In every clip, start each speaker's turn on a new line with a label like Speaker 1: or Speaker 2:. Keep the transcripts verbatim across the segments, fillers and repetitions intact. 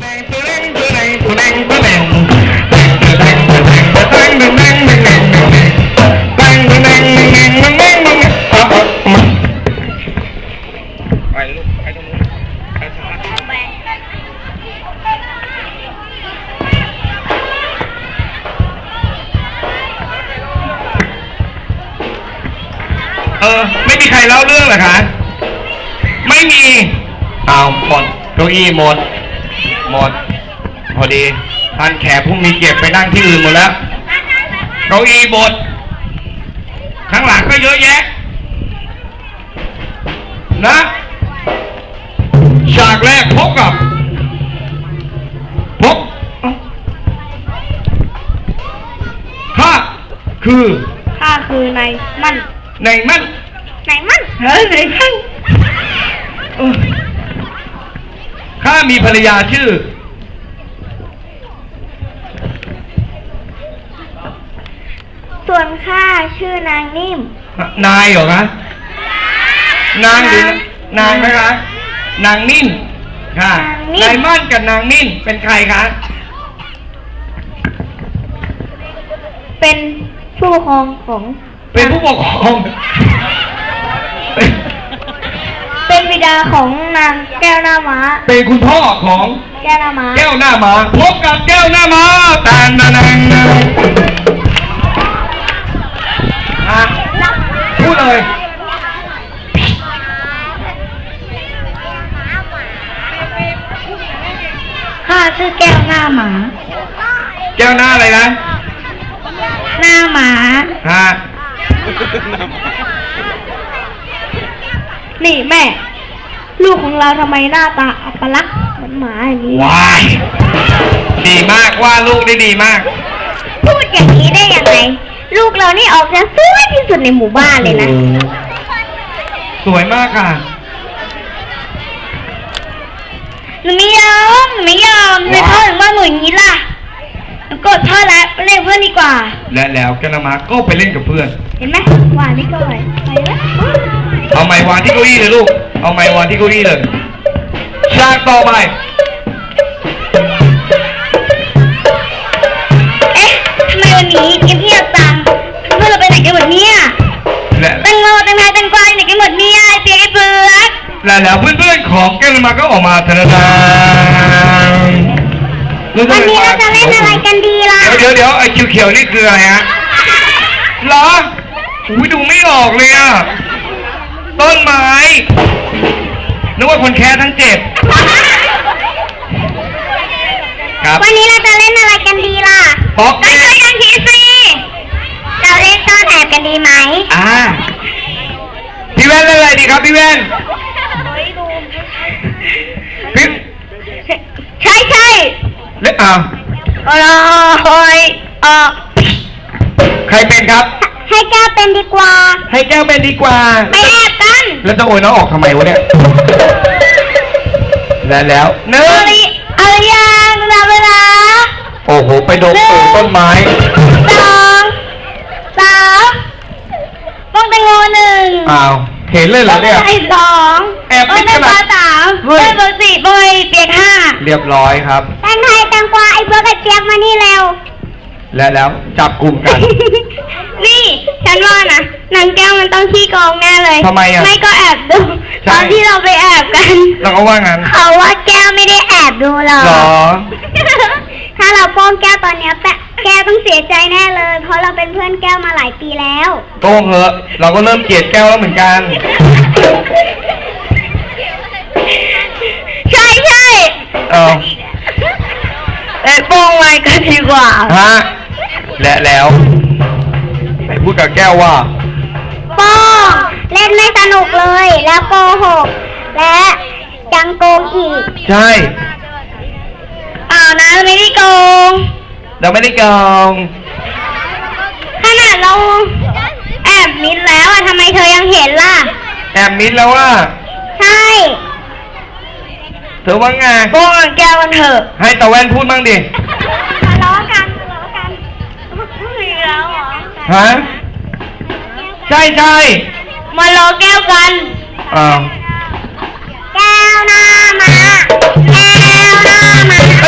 Speaker 1: เออไม่มีใครเล่าเรื่องเหรอคะไม่มีเอาหมดเก้าอี้หมดหมดพอดีท่านแขกพรุ่งนี้เก็บไปนั่งที่อื่นหมดแล้วเก้าอี้หมดข้างหลังก็เยอะแยะนะฉากแรกพบกับพบข้าคือ
Speaker 2: ข้าคือนายมั่น
Speaker 1: นายมั่น
Speaker 2: นายมั่นเฮ้ยนายมั่น
Speaker 1: ข้ามีภรรยาชื่อ
Speaker 2: ส่วนข้าชื่อนางนิ่ม
Speaker 1: นายเหรอคะนางหรือนางนะคะนางนิ่มค่ะนายมั่นกับนางนิ่มเป็นใครคะ
Speaker 2: เป็นผู้ปกครองของ
Speaker 1: เป็นผู้ปกครอง
Speaker 2: เป็นบิดาของนางแก้วหน้าม้า
Speaker 1: เป็นคุณพ่อของ
Speaker 2: แก้วหน้าม้า
Speaker 1: แก้วหน้าม้าพบกับแก้วหน้าม้าตานนางนะพูดเลย
Speaker 2: ข้าชื่อแก้วหน้าหมา
Speaker 1: แก้วหน้าอะไรนะ
Speaker 2: หน้าหมา
Speaker 1: ฮะ
Speaker 2: นี่แม่ลูกของเราทำไมหน้าตาอัปลักษณ์เหมือนหมาอย่างนี้
Speaker 1: ว้ายดีมากว่าลูกได้ดีมาก
Speaker 2: พูดอย่างนี้ได้ยังไงลูกเรานี่ออกจะสวยที่สุดในหมู่บ้านเลยนะ
Speaker 1: สวยมากค่ะ
Speaker 2: หนูไม่ยอมหนูไม่ยอมในพ่อถึงว่าหนูอย่างนี้ล่ะหนูกดพ่อแล้วไปเล่นเพื่อนดีกว่า
Speaker 1: และแล้วแกนามาก็ไปเล่นกับเพื่อน
Speaker 2: เห็นไหมวางนี่ก่อนไปแล้ว
Speaker 1: เอาไม้วางที่เก้าอี้เลยลูกเอาไม้วางที่เก้าอี้เลยฉากต่อไป
Speaker 2: เอ๊ะทำไมวันนี้เงียบจังเพื่อนเราไปไหนกันหมดเนี่ยแตงโมแตงไทยแตงกวาไหนกันหมดเนี่ยไอเปียกไอเปลือก
Speaker 1: และแล้วเพื่อนๆของแกนามาก็ออกมาธนาคาร
Speaker 2: วันนี้เราจะเล่นอะไรกันดีล่ะ
Speaker 1: เดี๋ยวเดี๋ยวไอ้เขียวๆนี่คืออะไรฮะเหรออุ้ยดูไม่ออกเลยอ่ะต้นไม้นึกว่าคนแค่ทั้งเจ็บครับ
Speaker 2: วันนี้เราจะเล่นอะไรกันดีล่ะ
Speaker 1: ป๊อก
Speaker 2: ก็ช่วยกันคิดสิเราเล่นซ่อนแอบกันดีไหม
Speaker 1: อ่าพี่แว่นเล่นอะไรดีครับพี่แว่นพี่
Speaker 2: ใช่ใช่
Speaker 1: เล่นอ่า
Speaker 2: โอ้ยเออ
Speaker 1: ใครเป็นครับ
Speaker 2: ให้แก้วเป็นดีกว่า
Speaker 1: ให้แก้วเป็นดีกว่า
Speaker 2: ไปแอบกัน
Speaker 1: แล้วจะโอยน้องออกทำไมวะเนี่ยแล้วแล้วเนื้อ
Speaker 2: อะไรยังนับเวลา
Speaker 1: โอ้โหไปโดนต้นไม้
Speaker 2: สองสามป้องแตงโมหนึ่ง
Speaker 1: อ้าวเห็นเลยเหรอเนี่ย
Speaker 2: ไอ้สอง
Speaker 1: แอบ
Speaker 2: ไม่ขนาดสามเฮ้ยเบอร์สี่เบอร์เปียกห้า
Speaker 1: เรียบร้อยครับ
Speaker 2: แตงไทยแตงกวาไอ้เบอร์กับเปียกมานี่เร็ว
Speaker 1: แล้วแล้วจับกลุ่มกัน
Speaker 2: นี่ฉันว่านะนางแก้วมันต้องขี้โกงแน่เลย
Speaker 1: ทำไมอ่ะ
Speaker 2: ไม่ก็แอบดูตอนที่เราไปแอบกัน
Speaker 1: เราก็ว่างั้น
Speaker 2: เขาว่าแก้วไม่ได้แอบดูหรอ
Speaker 1: หรอ
Speaker 2: ถ้าเราโป้งแก้วตอนนี้แต่แก้วต้องเสียใจแน่เลยเพราะเราเป็นเพื่อนแก้วมาหลายปีแล้ว
Speaker 1: โป้งเหอะเราก็เริ่มเกลียดแก้วแล้วเหมือนกัน
Speaker 2: ใช่ใช่
Speaker 1: เออ
Speaker 2: เอ้โป้งไว้กันดีกว่า
Speaker 1: ฮะและแล้วไหนพูดกับแก้วว่า
Speaker 2: โป้งเล่นไม่สนุกเลยแล้วโกหกและยังโกงอีก
Speaker 1: ใช่
Speaker 2: อ้าวนะไม่ได้โกง
Speaker 1: เราไม่ได้โกง
Speaker 2: ขนาดเราแอบมิดแล้วอะทำไมเธอยังเห็นล่ะ
Speaker 1: แอบมิดแล้วว่า
Speaker 2: ใช่
Speaker 1: เธอว่าไง
Speaker 2: โป้งแก้วกันเถอะ
Speaker 1: ให้ตะแว่นพูดบ้างดิ
Speaker 2: ทะเลาะกันทะเลาะกันอีกแล้วเหรอ
Speaker 1: ฮะใช่ใช่
Speaker 2: มาล้อแก้วกัน
Speaker 1: อ้าว
Speaker 2: แก้วหน้ามาแก้วหน้ามา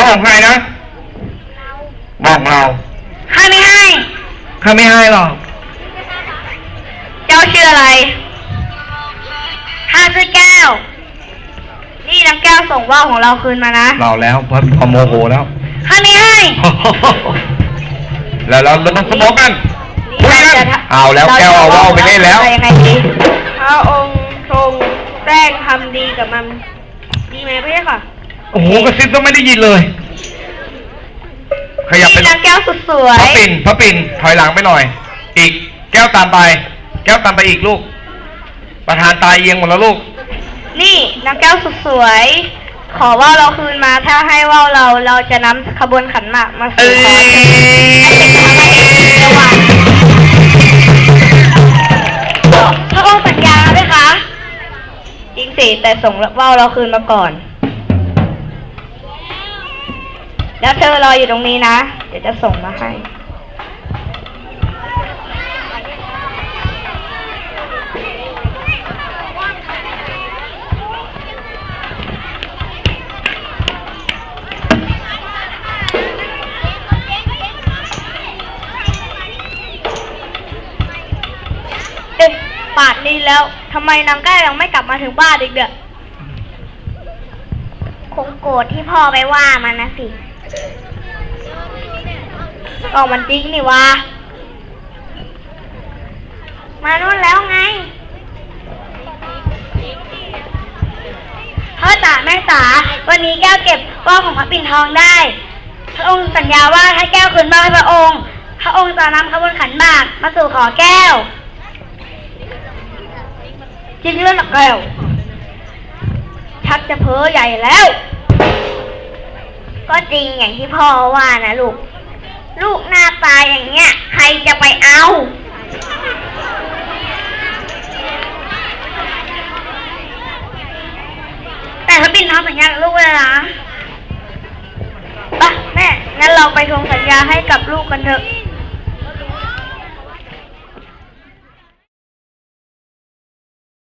Speaker 1: เขาของใครนะบอกเรา
Speaker 2: ข้าไม่ให้
Speaker 1: ข้าไม่ให้หรอก
Speaker 2: เจ้าชื่ออะไรข้าชื่อแก้ว นี่น้ำแก้วส่งว่าวของเราคืนมานะ
Speaker 1: เราแล้วพอพอโมโหแล้ว
Speaker 2: ข้าไม่ให้
Speaker 1: แล้วเราเราต้องสมองกันคุยกันเอาแล้วแก้วเอาว่าวไปเล่นแล้ว
Speaker 2: ยังไงดีพระองค์ทรงแกล้งทำดีกับมันดีไหมพี่ค่ะ
Speaker 1: โอ้โหกระซิบก็ไม่ได้ยินเลย ขยับไป
Speaker 2: นี่น้ำแก้วสุดสว
Speaker 1: พ
Speaker 2: ย
Speaker 1: ระปิ่นพระปิ่นถอยหลังไปหน่อย อีกแก้วตามไป แก้วตามไปอีกลูก ประธานตายเอียงหมดแล้วลูก
Speaker 2: นี่น้ำแก้วสุดสวย ขอว่าวเราคืนมาถ้าให้ว่าวเราเราจะนำขบวนขันหมากมาสู่ขอให้เป็นพระเอกสวรรค์พระองค์สัญญาไหมคะจริงสิแต่ส่งว่าวเราคืนมาก่อน แล้วเธอรออยู่ตรงนี้นะ เดี๋ยวจะส่งมาให้ เอ๊ะป่านนี้แล้วทำไมนางแก้วยังไม่กลับมาถึงบ้านอีกเด้อคงโกรธที่พ่อไปว่ามันนะสิก็มันจริงนี่วะมานู่นแล้วไงพ่อจ๋าแม่จ๋าวันนี้แก้วเก็บว่าวของพระปิ่นทองได้พระองค์สัญญาว่าถ้าแก้วคืนมาให้พระองค์พระองค์จะนำขบวนขันหมากมาสู่ขอแก้วจริงเรื่องหนักแก้วชักจะเพ้อใหญ่แล้วก็จริงอย่างที่พ่อว่านะลูกลูกหน้าตาอย่างเงี้ยใครจะไปเอาแต่พระปิ่นทำสัญญากับลูกเลยนะไปแม่งั้นเราไปทวงสัญญาให้กับลูกกันเถอะ